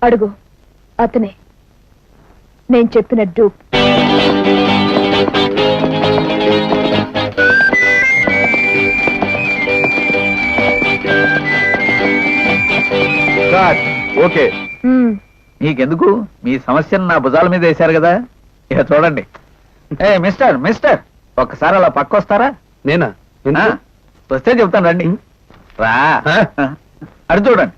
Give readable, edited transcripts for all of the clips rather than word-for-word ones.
అడుగు, అతనే నేను చెప్పిన డూప్. ఓకే, నీకెందుకు? మీ సమస్యను నా భుజాల మీద వేశారు కదా, ఇక చూడండి. ఏ మిస్టర్ మిస్టర్, ఒక్కసారి అలా పక్క వస్తారా? నేనా? వస్తే చెప్తాను, రండి. రా, అడు చూడండి.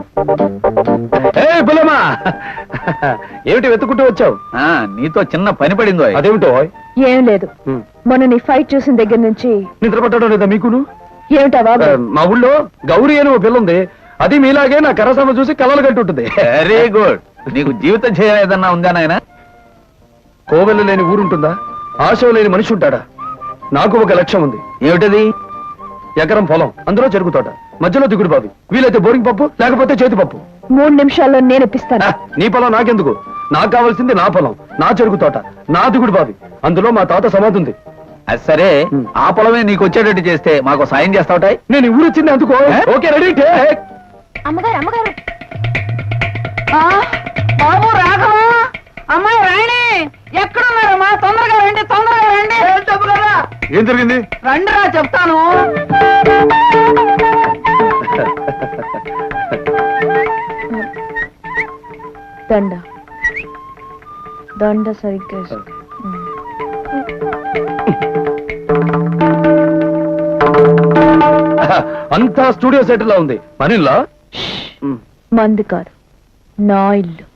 బులమా, ఏమిటి వెతుకుంటూ వచ్చావు? నీతో చిన్న పని పడిందో. అదేమిటో? ఏం లేదు, మొన్న నీ ఫైట్ చూసిన దగ్గర నుంచి నిద్ర పట్టడం లేదా మీకును? ఏమిటా బాబు? మా ఊళ్ళో గౌరీ అని ఓ పిల్ల ఉంది, అది మీలాగే నా కరసమ చూసి కలలు కంటుంటుంది. Very good. నీకు జీవితం చేయలేదన్నా ఉందా నాయన? కోవెల లేని ఊరుంటుందా? ఆశ లేని మనిషి ఉంటాడా? నాకు ఒక లక్ష్యం ఉంది. ఏమిటది? ఎకరం పొలం, అందులో చెరుకు తోట, మధ్యలో దిగుడు బావి, వీలైతే బోరింగ్ పప్పు, లేకపోతే చేతి పప్పు. 3 నిమిషాల్లో నేను ఇప్పిస్తాను. నీ పొలం నాకెందుకు? నాకు కావాల్సింది నా పొలం, నా చెరుకు తోట, నా దిగుడు బావి, అందులో మా తాత సమాధి ఉంది. అది సరే, ఆ పొలమే నీకు వచ్చేటట్టు చేస్తే మాకు సాయం చేస్తావుటాయి. నేను ఊరు వచ్చింది అందుకో. Okay, ready. అమ్మగారు అమ్మగారు, బాబు రాఘవ, అమ్మాయి రాణి ఎక్కడున్నారమ్మా? తొందరగా రండి, తొందరగా రండి. చెప్పు కదా, ఏం జరిగింది? రండిరా చెప్తాను. దండ దండ సరిగ్గా అంతా స్టూడియో సెట్ లా ఉంది. మనీలా మంది కాదు, నా ఇల్లు.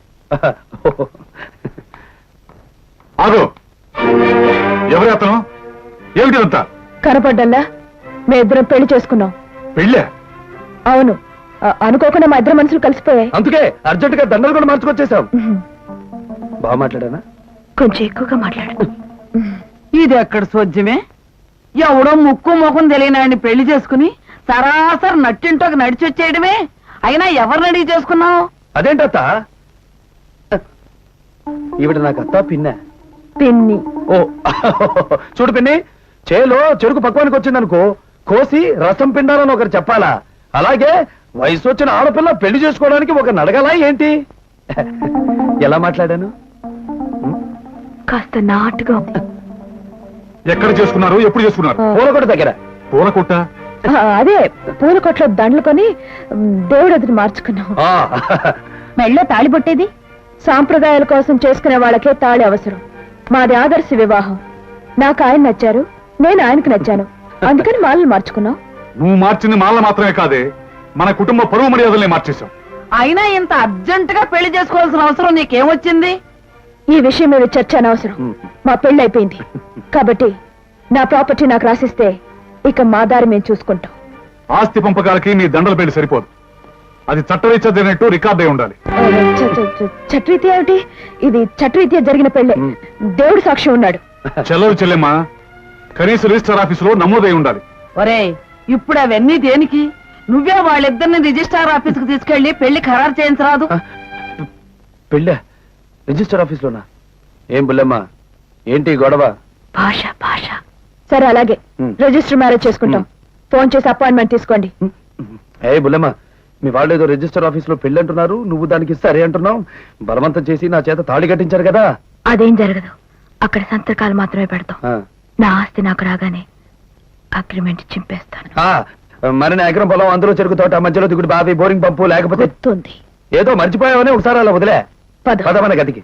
ఆగు, ఎవరు అతను? ఏమిటి అంతా? కనపడ్డల్లా మీ ఇద్దరం పెళ్లి చేసుకున్నాం. పెళ్ళే? అవును, అనుకోకుండా మా ఇద్దరు మనుషులు కలిసిపోయాయి. అందుకే అర్జెంట్ గా దండలు కూడా మార్చుకొచ్చేసాం. బాగా మాట్లాడానా? కొంచెం ఎక్కువగా మాట్లాడు. ఇది ఎక్కడ సోద్యమే? ఎవడో ముక్కు ముఖం తెలియనాడిని పెళ్లి చేసుకుని సరాసరి నట్టింటోకి నడిచి వచ్చేయడమే. అయినా ఎవరిని అడిగి చేసుకున్నావు? అదేంటత్త? ఈవిడ నాకు అత్త పిన్న. పిన్ని. ఓ చూడు పిన్ని, చేలో చెరుకు పక్వానికి వచ్చిందనుకో, కోసి రసం పిండాలని ఒకరు చెప్పాలా? అలాగే వయసు వచ్చిన ఆడపిల్ల పెళ్లి చేసుకోవడానికి ఒకరిని అడగాలా ఏంటి? ఎలా మాట్లాడాను? కాస్త నాటుగా ఉంది. ఎక్కడ చేసుకున్నారు? ఎప్పుడు చేసుకున్నారు? పూలకొట్ట దగ్గర. పూలకొట్ట? అదే, పూల కొట్లో దండలు కొని దేవుడు ఎదురు మార్చుకున్నాం. మెళ్ళో తాళి పట్టేది సాంప్రదాయాల కోసం చేసుకునే వాళ్ళకే తాళి అవసరం. మాది ఆదర్శ వివాహం. నాకు ఆయన నచ్చారు, నేను ఆయనకు నచ్చాను, అందుకని మాలను మార్చుకున్నాం. నువ్వు మార్చింది మాల మాత్రమే కాదే, మన కుటుంబ పరువు మర్యాదల్ని మార్చేశాం. అయినా ఇంత అర్జెంట్ గా పెళ్లి చేసుకోవాల్సిన అవసరం నీకేమొచ్చింది? ఈ విషయం మీద చర్చ అనవసరం. మా పెళ్లి అయిపోయింది కాబట్టి నా ప్రాపర్టీ నాకు రాసిస్తే ఇక మా దారి మేము చూసుకుంటాం. ఆస్తి పంపకాలకి నీ దండల పెళ్లి సరిపోదు, అది చట్టరీత్యా జరిగినట్టు రికార్డ్ అయి ఉండాలి. చట్టరీత్యా ఏమిటి? ఇది చట్టరీత్యా జరిగిన పెళ్లి, దేవుడు సాక్ష్యం ఉన్నాడు. చెల్లవు చెల్లెమ్మా, కనీస రిజిస్టర్ ఆఫీసులో నమోదై ఉండాలి. ఒరే, ఇప్పుడు అవన్నీ దేనికి? నువ్వే వాళ్ళిద్దరిని రిజిస్ట్రార్ ఆఫీస్ కు తీసుకెళ్లి పెళ్లి ఖరారు చేయించరాదు? పెళ్ళ రిజిస్టర్ ఆఫీస్ లోనా? ఏం బుల్లమ్మా, ఏంటి గొడవ? భాష భాష. సరే అలాగే, రిజిస్టర్ మ్యారేజ్ చేసుకుంటాం. ఫోన్ చేసి అపాయింట్మెంట్ తీసుకోండి. ఏ బుల్లమ్మా, మీ వాళ్ళు ఏదో రిజిస్టర్ ఆఫీస్ లో పెళ్లి అంటున్నారు, నువ్వు దానికి సరే అంటున్నావు. బలవంతం చేసి నా చేత తాళి కట్టించారు కదా. అదేం జరగదు, అక్కడ సంతకాలు మాత్రమే పెడతాం. నా ఆస్తి నాకు రాగానే అగ్రిమెంట్ చింపేస్తాను. మరి నా ఎకరం పొలం, అందులో చెరుకు తోట, మధ్యలో దిగుడు బావి, బోరింగ్ పంపు, లేకపోతే ఏదో మర్చిపోయావని ఒకసారి అలా వదిలే. పదమన గదికి.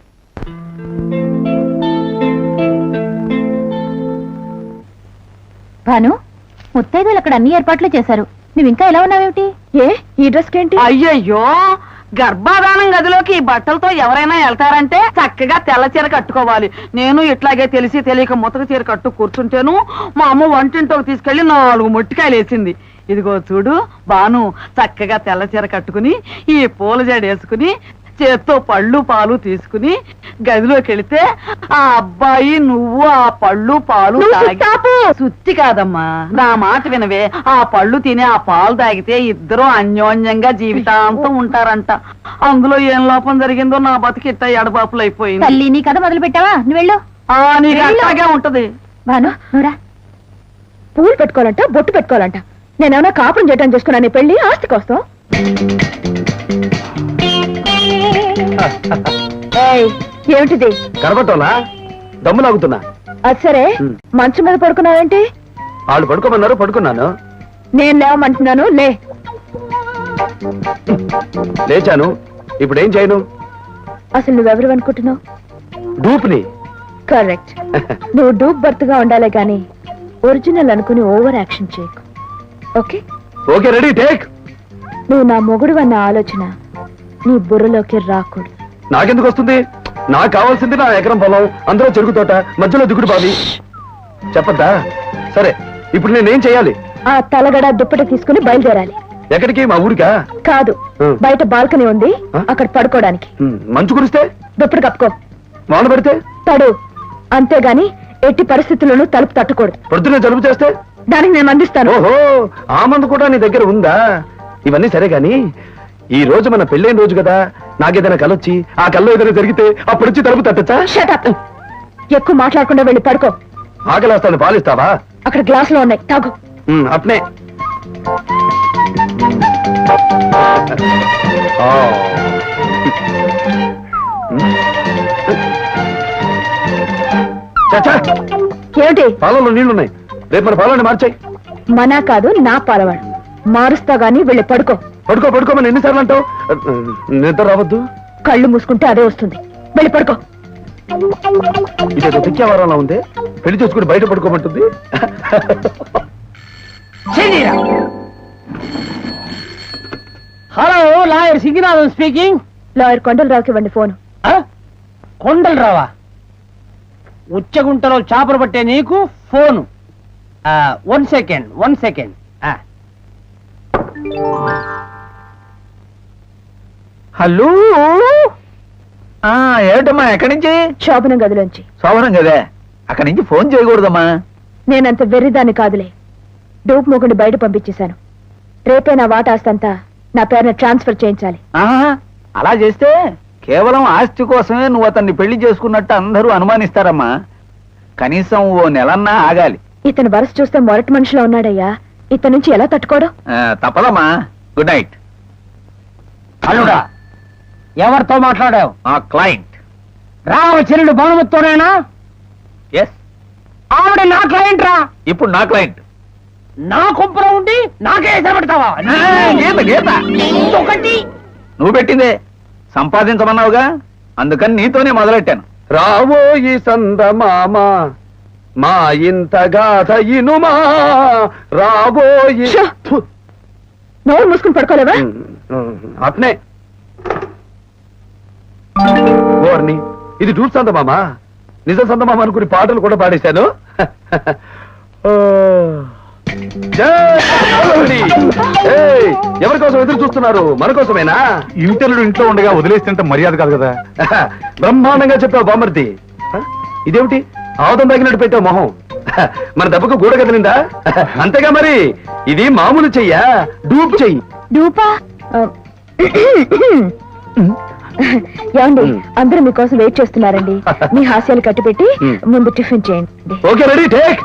భాను, ముత్తైదులు అక్కడ అన్ని ఏర్పాట్లు చేశారు, నువ్వు ఇంకా ఎలా ఉన్నావేమిటి? ఏ ఈ డ్రెస్ ఏంటి? అయ్యయ్యో, గర్భాధానం గదిలోకి ఈ బట్టలతో ఎవరైనా వెళ్తారంటే చక్కగా తెల్ల చీర కట్టుకోవాలి. నేను ఇట్లాగే తెలిసి తెలియక ముతక చీర కట్టు కూర్చుంటేను మా అమ్మ వంటింటోకి తీసుకెళ్లి 4 మొట్టికాయలు వేసింది. ఇదిగో చూడు బాను, చక్కగా తెల్ల చీర కట్టుకుని ఈ పూల జడ వేసుకుని చేత్తో పళ్ళు పాలు తీసుకుని గదిలోకి వెళితే ఆ అబ్బాయి నువ్వు ఆ పళ్ళు పాలు సుత్తి కాదమ్మా, నా మాట వినవే. ఆ పళ్ళు తిని ఆ పాలు తాగితే ఇద్దరు అన్యోన్యంగా జీవితాంతం ఉంటారంట. అందులో ఏం లోపం జరిగిందో నా బతికిట్ట ఎడబాపులు అయిపోయింది. తల్లి, నీ కథ మొదలు పెట్టావా? నువ్వు వెళ్ళు. నీకు అట్లాగే ఉంటది. భాను, నువ్వురా. పూలు పెట్టుకోవాలంట, బొట్టు పెట్టుకోవాలంట. నేనేమన్నా కాపురం చేయటం చేసుకున్నా నీ పెళ్లి ఆస్తి కోసం? ఏయ్, ఏమిటిది? కరబట్టోలా దమ్ము లాగుతున్నా. అది సరే, మంచం మీద పడుకున్నావేంటి? వాళ్ళు పడుకోమన్నారు, పడుకున్నాను. నేను లేవమంటున్నాను, లే. లేచాను. ఇప్పుడు ఏం చేయను? అసలు నువ్వెవరు అనుకుంటున్నావు? డూప్ని. కరెక్ట్. నువ్వు డూప్ బర్త్గా ఉండాలి గాని ఒరిజినల్ అనుకుని ఓవర్ యాక్షన్ చేయకు. ఓకే? Okay, ready, take. నువ్వు నా మొగుడు అన్న ఆలోచన నీ బుర్రలోకి రాకూడదు. నాకెందుకు వస్తుంది? నాకు కావాల్సింది నా ఎకరం పొలం, అందులో చెరుకు తోట, మధ్యలో దిగుడు బావి. చెప్పద్దా? సరే, ఇప్పుడు నేనేం చేయాలి? ఆ తలగడ దుప్పటి తీసుకుని బయలుదేరాలి. ఎక్కడికి? మా ఊరికా? కాదు, బయట బాల్కనీ ఉంది, అక్కడ పడుకోవడానికి. మంచు కురిస్తే? దుప్పటి కప్పుకో. వాన పడితే? తడు. అంతేగాని ఎట్టి పరిస్థితుల్లోనూ తలుపు తట్టకూడదు. పొద్దున్నే జలుబు చేస్తే? దానికి నేను అందిస్తాను. ఓహో, ఆ మందు కూడా నీ దగ్గర ఉందా? ఇవన్నీ సరే గాని, ఈ రోజు మన పెళ్ళైన రోజు కదా, నాకేదైనా కలొచ్చి ఆ కల్లో ఏదైనా జరిగితే అప్పుడు వచ్చి తలుపు తట్టచ్చా? Shut up. ఎక్కువ మాట్లాడకుండా వెళ్ళి పడుకో. ఆకలేస్తాను, పాలిస్తావా? అక్కడ గ్లాసులో ఉన్నాయి, తాగు. అట్నే. చచ్చా, ఏమిటి? పాలలో నీళ్లున్నాయి, రేపు మన పాలని మార్చాయి. మనా కాదు, నా పాలవాడు. మారుస్తా గాని వెళ్ళి పడుకో. పడుకోమని ఎన్నిసార్లు అంటావు? నిద్ర రావద్దు. కళ్ళు మూసుకుంటే అదే వస్తుంది. వెళ్ళి పడుకో. ఇదేదో పిచ్చేవారంలా ఉంది. పెళ్లి చేసుకుని బయట పడుకోమంటుంది. Hello, lawyer Singinathan speaking. Lawyer కొండలరావుకి ఇవ్వండి ఫోన్. కొండలరావా? ఉచ్చగుంటలో చేపలు పట్టే నీకు ఫోను. 1 సెకండ్. హలో. ఏమిటమ్మా, ఎక్కడి నుంచి? శోభనం గదిలోంచి. శోభనం కదే, అక్కడి నుంచి ఫోన్ చేయకూడదమ్మా. నేనంత వెర్రిదాన్ని కాదులే. డూప్ మొగుడిని బయట పంపించేశాను. రేపే నా వాటా ఆస్తంతా నా పేరున ట్రాన్స్ఫర్ చేయించాలి. అలా చేస్తే కేవలం ఆస్తి కోసమే నువ్వు అతన్ని పెళ్లి చేసుకున్నట్టు అందరూ అనుమానిస్తారమ్మా. కనీసం ఓ నెలన్నా ఆగాలి. ఇతను వరస చూస్తే మొరటి మనిషిలో ఉన్నాడయ్యా. ఇతని నుంచి ఎలా తట్టుకోవడం? తప్పదమ్మా. Good night. అల్లుడా, ఎవరితో మాట్లాడావు? ఆ క్లయింట్. రామచరుడు భానుమతితోనేనా? ఎస్. ఆవిడ నా క్లయింట్ రా. ఇప్పుడు నా క్లయింట్. నా కొంపలో ఉండి నాకే ఎసరబెడతావా? గీత ఒకటి నువ్వు పెట్టిందే సంపాదించమన్నావుగా, అందుకని నీతోనే మొదలెట్టాను. రావోయి సందమామ మా ఇంత గాథ ఇనుమా రాబోయి. నోరు మూసుకుని పడుకోలేవా? అట్నే ఓర్ని, ఇది డూట్ సందమామ, నిజ సందమామ అనుకుని పాటలు కూడా పాడేశాను. ఎవరి కోసం ఎదురు చూస్తున్నారు? మన కోసమేనా? ఇంటర్లు ఇంట్లో ఉండగా వదిలేస్తుంటే మర్యాద కాదు కదా. బ్రహ్మాండంగా చెప్పావు బామర్ది. ఇదేమిటి ఆవుదం తగినట్టు పెట్టావు మొహం? మన దెబ్బకు గూడ కదిలిందా? అంతేగా మరి, ఇది మామూలు చెయ్యా, డూప్ చెయ్యి. డూపా? ఏమండి, అందరూ మీకోసం వెయిట్ చేస్తున్నారండి. మీ హాస్యాలు కట్టిపెట్టి ముందు టిఫిన్ చేయండి. Okay, ready, take.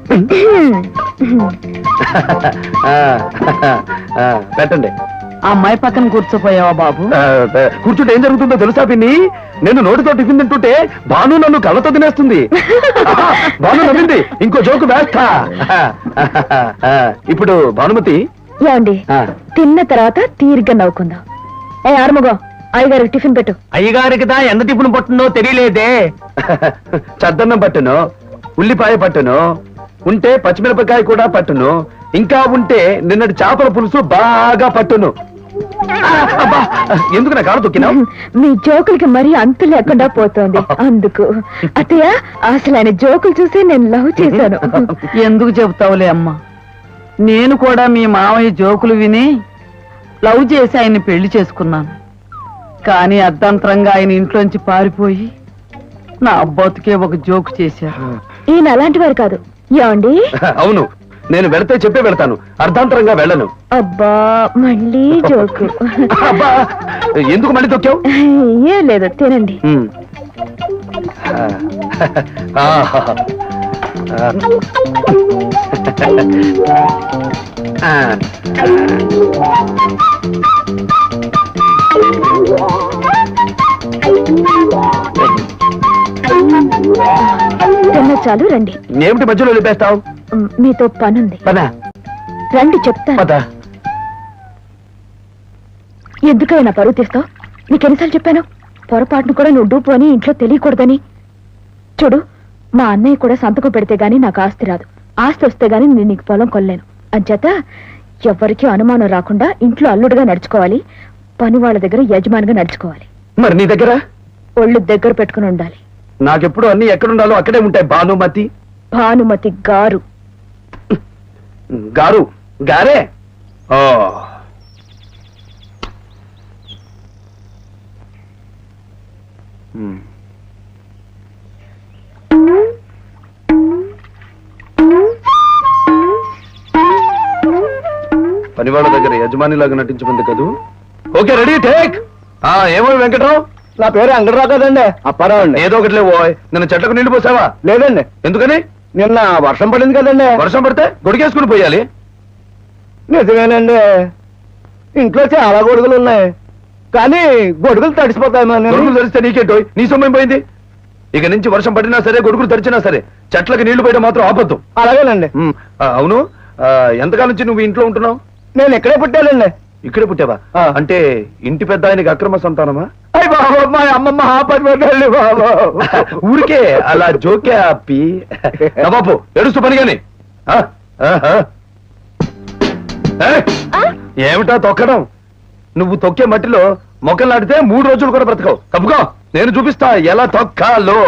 పెట్టండి. ఆ అమ్మాయి పక్కన కూర్చోపోయావా బాబు? కూర్చుంటే ఏం జరుగుతుందో తెలుసా పిన్ని? నేను నోటితో టిఫిన్ తింటుంటే భాను నన్ను కళ్ళతో తినేస్తుంది. భాను నవ్వింది, ఇంకో జోకు వేస్తా. ఇప్పుడు భానుమతి, ఏమండి, తిన్న తర్వాత తీరిగ్గా నవ్వుకుందాం. ఆరుముగం, అయ్యగారికి టిఫిన్ పెట్టు. అయ్యగారికి దా ఎంత టిఫిన్ పట్టిందో తెలియలేదే. చద్దన్నం పట్టును, ఉల్లిపాయ పట్టును, ఉంటే పచ్చిమిరపకాయ కూడా పట్టును, ఇంకా ఉంటే నిన్నటి చేపల పులుసు బాగా పట్టును. ఎందుకు నా కారు తొక్కినావు? మీ జోకులకి మరీ అంతు లేకుండా పోతోంది, అందుకు. అత్తయ్య, అసలు ఆయన జోకులు చూసి నేను లవ్ చేశాను. ఎందుకు చెబుతావులే అమ్మా, నేను కూడా మీ మావయ్య జోకులు విని లవ్ చేసి ఆయన్ని పెళ్లి చేసుకున్నాను. కానీ అర్ధంతరంగా ఆయన ఇంట్లోంచి పారిపోయి నా అబ్బాతుకే ఒక జోకు చేశారు. ఈయన అలాంటి వారు కాదు. ఏమండి? అవును, నేను వెళితే చెప్పే వెళ్తాను, అర్ధాంతరంగా వెళ్ళను. అబ్బా, మళ్ళీ జోకు. అబ్బా, ఎందుకు మళ్ళీ తొక్కావు? ఏం లేదు, తినండి. చాలు రండి. ఏమిటి మధ్యలో లేపేస్తావు? మీతో పనుంది. పదా రండి చెప్తాను. పదా. ఎందుకైనా పరువు తీస్తావు? నీకెన్నిసార్లు చెప్పాను పొరపాటును కూడా నువ్వు డూపు అని ఇంట్లో తెలియకూడదని. చూడు, మా అన్నయ్య కూడా సంతకం పెడితే గానీ నాకు ఆస్తి రాదు. ఆస్తి వస్తే గానీ నేను నీకు పొలం కొల్లేను. అంచేత ఎవ్వరికీ అనుమానం రాకుండా ఇంట్లో అల్లుడుగా నడుచుకోవాలి, పని వాళ్ళ దగ్గర యజమానిగా నడుచుకోవాలి. మరి నీ దగ్గర? ఒళ్ళు దగ్గర పెట్టుకుని ఉండాలి. నాకెప్పుడు అన్ని ఎక్కడుండాలో అక్కడే ఉంటాయి. భానుమతి. భానుమతి గారు. గారు గారే. ఓ పనివాళ్ళ దగ్గర యజమానిలాగా నటించమంది కదూ. Okay, ready, take. ఏమో వెంకట్రావు? నా పేరు అంగడరావు కదండి, అప్పారావు అండి. ఏదో ఒకటి లేవో. నిన్న చెట్లకు నీళ్లు పోసావా? లేదండి. ఎందుకని? నిన్న వర్షం పడింది కదండి. వర్షం పడితే గొడిగేసుకుని పోయాలి. నిజమేనండి, ఇంట్లో చాలా గొడుగులు ఉన్నాయి, కానీ గొడుగులు తడిసిపోతాయి. గొడుగులు తడిస్తే నీకేంటో? నీ సొమ్మేం పోయింది? ఇక నుంచి వర్షం పడినా సరే, గొడుగులు తడిచినా సరే, చెట్లకి నీళ్లు పోయడం మాత్రం ఆపద్దు. అలాగేనండి. అవును, ఎంతకాలం నుంచి నువ్వు ఇంట్లో ఉంటున్నావు? నేను ఇక్కడే పుట్టానండి. ఇక్కడే పుట్టావా? అంటే ఇంటి పెద్ద ఆయనకి అక్రమ సంతానమా? అయ్య బాబు, మా అమ్మమ్మ ఆపదండి బాబు. ఊరికే అలా జోకే ఆపి బాబు ఎడుస్తూ పని గాని. ఏమిటా తొక్కడం? నువ్వు తొక్కే మట్టిలో మొక్కలు నాటితే 3 రోజులు కూడా బ్రతకవు. తప్పుకో, నేను చూపిస్తా ఎలా తొక్కాలో.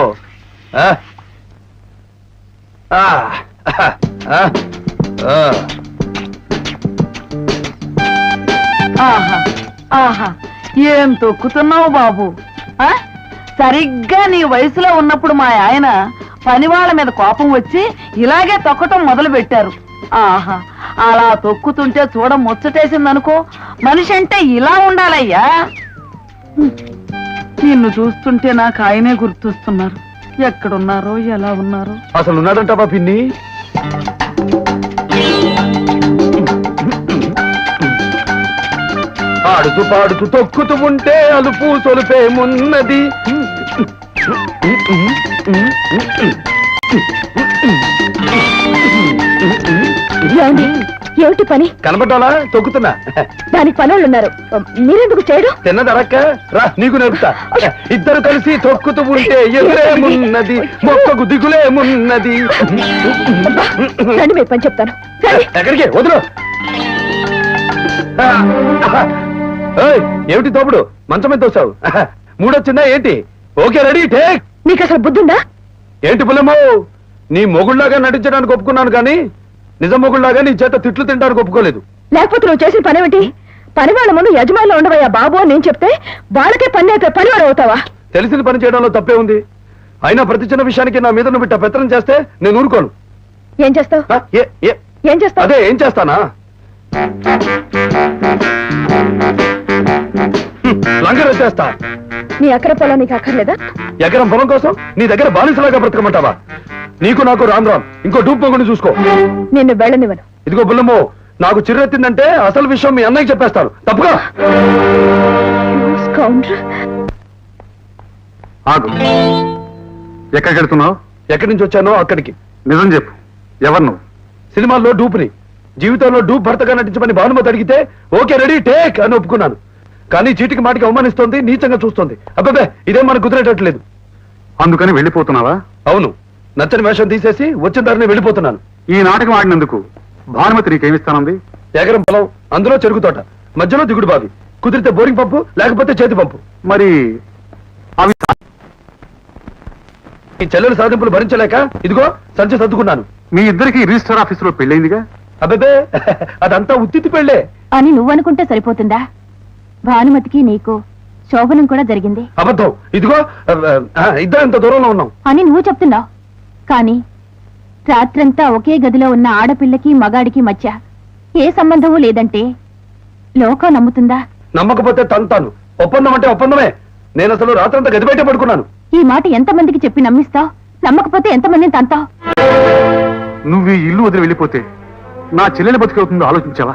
ఆహా ఆహా, ఏం తొక్కుతున్నావు బాబు. సరిగ్గా నీ వయసులో ఉన్నప్పుడు మా ఆయన పనివాళ్ళ మీద కోపం వచ్చి ఇలాగే తొక్కటం మొదలు పెట్టారు. ఆహా, అలా తొక్కుతుంటే చూడ ముచ్చటేసిందనుకో. మనిషి అంటే ఇలా ఉండాలయ్యా. నిన్ను చూస్తుంటే నాకు ఆయనే గుర్తొస్తున్నారు. ఎక్కడున్నారో ఎలా ఉన్నారో. అసలు ఉన్నాడంటావా పిన్ని? ఆడుతూ పాడుతూ తొక్కుతూ ఉంటే అలుపు సొలుపేమున్నది. ఏమిటి పని? కనబడ్డాలా? తొక్కుతున్నా. దానికి పనులు ఉన్నారు, మీరెందుకు చేయడం? తిన్నదరక్క రా, నీకు నేర్పుతా. ఇద్దరు కలిసి తొక్కుతూ ఉంటే ఎదురేమున్నది, మొక్కకు దిగులేమున్నది. రండి, మీరు పని చెప్తాను. ఎక్కడికి? వదులు. ఏమిటి తోపుడు? మంచం మీద తోసావు. మూడొచ్చిందా ఏంటి? Okay, ready, take. నీకు అసలు బుద్ధుందా? ఏంటి పుల్లమ్మో, నీ మొగుళ్లాగా నటించడానికి ఒప్పుకున్నాను, కానీ నిజం మొగుళ్లాగా నీ చేత తిట్లు తింటానికి ఒప్పుకోలేదు. లేకపోతే నువ్వు చేసిన పనేమిటి? పని వాళ్ళ ముందు యజమానిలో ఉండవయ్యా బాబు అని నేను చెప్తే వాళ్ళకే పని అయితే పనివాడు అవుతావా? తెలిసిన పని చేయడంలో తప్పే ఉంది. అయినా ప్రతి చిన్న విషయానికి నా మీద నువ్వు ఇట్ట పెత్తనం చేస్తే నేను ఊరుకోను. ఏం చేస్తావు? ఏం చేస్తావు? అదే ఏం చేస్తానా? లంగర్ వచ్చేస్తా. నీ ఎకర పొలం నీకు అక్కర్లేదా? ఎకరం పొలం కోసం నీ దగ్గర బానిసలాగా బ్రతకమంటావా? నీకు నాకు రామ్ రామ్. ఇంకో డూప్ మొగుని చూసుకో. నిన్ను వెళ్ళనివ్వను. ఇదిగో బుల్లమ్మో, నాకు చిర్రెత్తిందంటే అసలు విషయం మీ అన్నయ్యకి చెప్పేస్తాను. తప్పుగా ఆగు. ఎక్కడికి వెళ్తున్నావు? ఎక్కడి నుంచి వచ్చానో అక్కడికి. నిజం చెప్పు, ఎవరు నువ్వు? సినిమాల్లో డూప్ని, జీవితంలో డూప్ భర్తగా నటించమని భానుమతి అడిగితే ఓకే రెడీ టేక్ అని ఒప్పుకున్నాను. కానీ చీటికి మాటికి అవమానిస్తోంది, నీచంగా చూస్తోంది. అబ్బాబే, ఇదేం మనకు కుదిరేటట్లేదు. అందుకని వెళ్ళిపోతున్నావా? అవును, నచ్చని వేషం తీసేసి వచ్చిన దారిని వెళ్ళిపోతున్నాను. ఈ నాటకం ఆడినందుకు భానుమతి నీకేమిస్తానంది? ఎకరం పొలం, అందులో చెరుకు తోట, మధ్యలో దిగుడు బావి, కుదిరితే బోరింగ్ పంపు, లేకపోతే చేతి పంపు. మరి అవి ఈ చెల్లెల సాధింపులు భరించలేక ఇదిగో సంచి సర్దుకున్నాను. మీ ఇద్దరికి రిజిస్టర్ ఆఫీసులో పెళ్ళైందిగా? అబ్బే, అదంతా ఉత్తితి పెళ్ళే అని నువ్వనుకుంటే సరిపోతుందా? భానుమతికి నీకు శోభనం కూడా జరిగింది. అబద్ధం. ఇదిగో ఇద్దరు ఇంత దూరంలో ఉన్నాం అని నువ్వు చెప్తున్నావు, కానీ రాత్రంతా ఒకే గదిలో ఉన్న ఆడపిల్లకి మగాడికి మధ్య ఏ సంబంధమూ లేదంటే లోకం నమ్ముతుందా? నమ్మకపోతే తంతాను. ఒప్పందం అంటే ఒప్పందమే. నేను అసలు రాత్రంతా గది బయట పడుకున్నాను. ఈ మాట ఎంతమందికి చెప్పి నమ్మిస్తావు? నమ్మకపోతే ఎంతమందిని తంతావు? నువ్వు ఈ ఇల్లు వదిలి వెళ్ళిపోతే నా చెల్లెలు బతికవుతుందో ఆలోచించావా?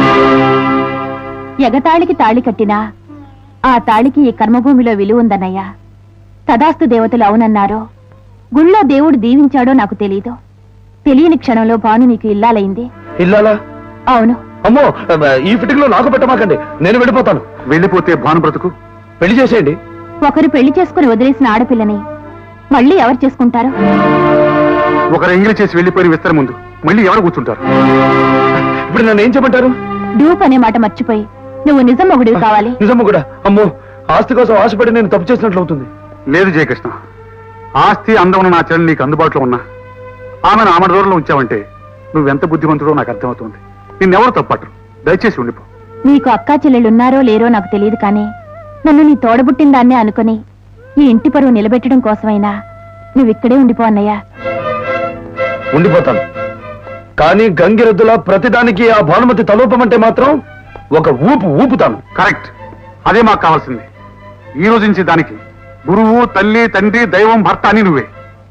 ఎగతాళికి తాళి కట్టినా ఆ తాళికి ఈ కర్మభూమిలో విలువ ఉందన్నయ్యా. తదాస్తు దేవతలు అవునన్నారో గుళ్ళో దేవుడు దీవించాడో నాకు తెలీదు. తెలియని క్షణంలో భాను నీకు ఇల్లాలైంది. ఇల్లాలా? అవును. అమ్మో, ఈ ఫిటింగ్ లో నాకు పెట్టమాకండి, నేను వెళ్ళిపోతాను. వెళ్ళిపోతే భాను బ్రతుకు? పెళ్లి చేసేయండి. ఒకరు పెళ్లి చేసుకుని వదిలేసిన ఆడపిల్లని మళ్ళీ ఎవరు చేసుకుంటారు? ఒకరు ఎంగిలి చేసి వెళ్ళిపోయిన విస్తర ముందు మళ్ళీ ఎవరు కూర్చుంటారు? ఇప్పుడు నన్ను ఏం చెప్పంటారు? డూప్ అనే మాట మర్చిపోయి నువ్వు నిజం ఒకడివి కావాలి. నిజము కూడా. అమ్మో, ఆస్తి కోసం ఆశపడి నేను తప్పు చేసినట్లు అవుతుంది. లేదు జయకృష్ణ, ఆస్తి అందం ఉన్న నా చెల్లి నీకు అందుబాటులో ఉన్నా ఆమెను ఆమె దూరంలో ఉంచావంటే నువ్వెంత బుద్ధిమంతుడో నాకు అర్థమవుతుంది. నిన్నెవరు తప్పట్రు, దయచేసి ఉండిపో. నీకు అక్కా చెల్లెళ్ళున్నారో లేరో నాకు తెలియదు, కానీ నన్ను నీ తోడబుట్టిన దాన్నే అనుకుని ఈ ఇంటి పరువు నిలబెట్టడం కోసమైనా నువ్విక్కడే ఉండిపో అన్నయ్య. ఉండిపోతాను, కానీ గంగిరెద్దులా ప్రతిదానికి ఆ భానుమతి తలూపమంటే మాత్రం ఒక ఊపుతాను. కరెక్ట్, అదే మాకు కావాల్సింది. ఈ రోజు నుంచి దానికి గురువు, తల్లి, తండ్రి, దైవం, భర్త అని నువ్వే.